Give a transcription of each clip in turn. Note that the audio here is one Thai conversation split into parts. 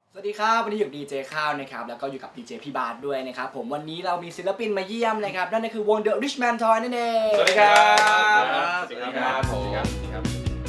สวัสดีครับวันนี้อยู่ดีเจข้าวนะครับแล้วก็อยู่กับดีเจพี่บาสด้วยนะครับผมวันนี้เรามีศิลปินมาเยี่ยมนะครับนั่นก็คือวง The Richman Toy นั่นเองสวัสดีครับสวัสดีครับผมครับ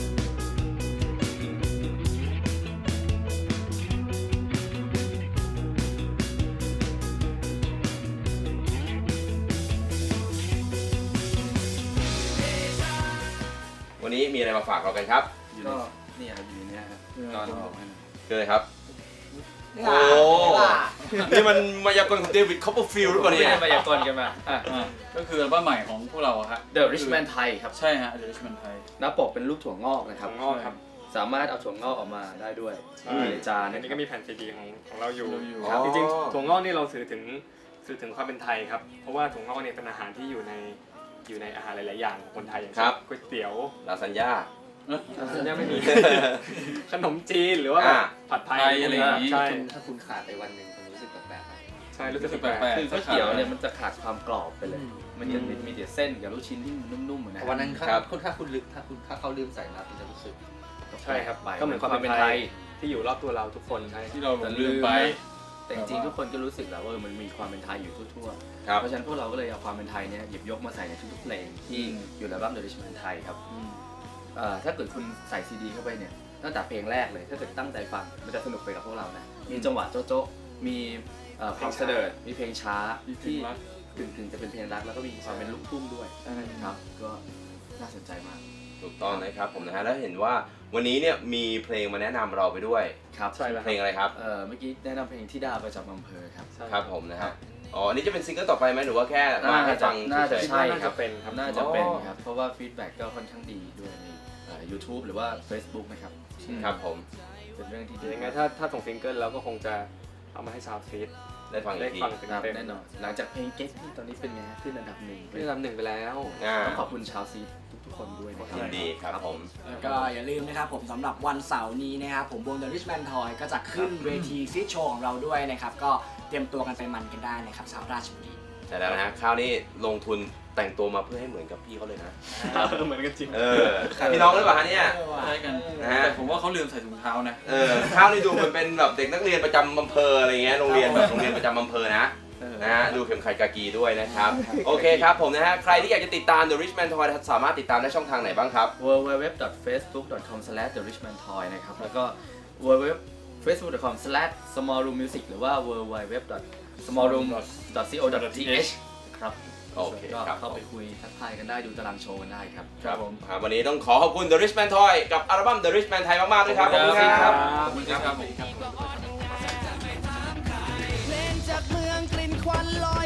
วันนี้มีอะไรมาฝากเรากันครับอยู่ในนี่ครับอยู่ในนี้ครับนอนบอกให้หน่อยคืออะไรครับนี่โอ้ล่ะนี่มันมายากลของเดวิดคอปเปอร์ฟิลด์หรือเปล่าไม่เนี่ยได้มายากลกันมาก็คืออัลบั้มใหม่ของพวกเราฮะ The Richman Thai ครับใช่ฮะ The Richman Thai หน้าปกเป็นรูปถั่วงอกนะครับถั่วงอกครับสามารถเอาถั่วงอกออกมาได้ด้วยในจานอันนะนี้ครัก็บมีแผ่นซีดีของเราอยู่ครับจริงๆถั่วงอกนี่เราสื่อถึงความเป็นไทยครับ เพราะว่าถั่วงอกเนี่ยเป็นอาหารที่อยู่ในอาหารหลายๆอย่างของคนไทยอย่างเช่นก๋วยเตี๋ยวลาซานญ่ายังไม่มี ขนมจีนหรือว่าอ่าผัดไทยอะไรอย่างนี้ใช่ถ้าคุณขาดไปวันหนึ่งคุณรู้สึกแปลกๆไหมใช่รู้สึกแปแปลลกกคือก๋วยเตี๋ยวเนี่ยมันจะขาดความกรอบไปเลย มันจะมีแต่เส้นกับลูกชิ้นที่มันนุ่มๆนะวันนั้นครับถ้าเขาลืมใส่น้ำมันจะรู้สึกใช่ครับไปก็เหมือนความเป็นไทยที่อยู่รอบตัวเราทุกคนใช่ที่เราลืมไปแต่จริงๆทุกคนก็รู้สึกแล้วว่ามันมีความเป็นไทยอยู่ทั่วๆครับเพราะฉะนั้นพวกเราก็เลยเอาความเป็นไทยเนี่ยหยิบยกมาใส่ในทุกๆเพลงที่อยู่ในอัลบั้ม The Richman Thai ครับถ้าเกิดคุณใส่ซีดีเข้าไปเนี่ยตั้งแต่เพลงแรกเลยถ้าเกิดตั้งใจฟังมันจะสนุกไปกับพวกเรานะมีจังหวะโจ๊ะๆมีความเสด็จมีเพลงช้ามีเพลที่งรักกึ่งๆจะเป็นเพลงรักแล้วก็มีความเป็นลูกทุ่งด้วยครับก็น่าสนใจมากถูกต้องนะครับผมนะฮะแล้วเห็นว่าวันนี้เนี่ยมีเพลงมาแนะนำเราไปด้วยครับใช่แล้วเพลงอะไรครับเมื่อกี้แนะนำเพลงที่ดาประจำอำเภอครับครับผมนะฮะอ๋ออันนี้จะเป็นซิงเกิลต่อไปไหมหรือว่าแค่มาให้ฟังน่าจะเฉยใช่น่าครัจะบเป็นครับน่าจะเป็นครับเพราะว่าฟีดแบ็กก็ค่อนข้างดีด้วยในYouTube หรือว่า Facebook นะครับๆครับผมเป็นเรื่องที่ดียังไงถ้าส่งซิงเกิลเราก็คงจะเอามาให้ชาวฟีดได้ฟังอีได้กทีฟังครับเต็มแน่นอนหลังจากเพลง Get ที่ตอนนี้เป็นไงฮะขึ้นอันดับหนึ่งๆที่ลำหนึ่งไปแล้วต้องขอบคุณชาวซีทุกๆคนด้วยนะครับยินดีครับผมแล้วก็อย่าลืมนะครับผมสำหรับวันเสาร์นี้นะครับผมวง The Richman Toy ก็จะขึ้นเวทีซีโชว์ของเราด้วยนะครับก็เตรียมตัวกันไปมันกันได้นะครับชาวราชบุรีแต่แล้วนะฮะคราวนี้ลงทุนแต่งตัวมาเพื่อให้เหมือนกับพี่เขาเลยนะเหมือนกันจริงพี่น้องหรือเปล่าฮะเนี่ยใช่กันนะฮะแต่ผมว่าเขาลืมใส่ถุงเท้านะข้าวนี่ดูเหมือนเป็นแบบเด็กนักเรียนประจำอำเภออะไรเงี้ยโรงเรียนแบบโรงเรียนประจำอำเภอนะนะฮะดูเข็มขัดกากีด้วยนะครับโอเคครับผมนะฮะใครที่อยากจะติดตาม The Richman Toy สามารถติดตามได้ช่องทางไหนบ้างครับ www.facebook.com/therishmantoy นะครับแล้วก็ www.facebook.com/smallroommusic หรือว่า www.smallroom.co.th ครับโอเคก็ครับเข้าไปคุยทักทายกันได้ดูตารางโชว์กันได้ครับครับผมวันนี้ต้องขอบคุณ The Richman Toy กับอัลบั้ม The Richman Thai มากๆด้วยครับขอบคุณครับขอบคุณครับผมเพลงจากเมืองกลิ่นควันลอย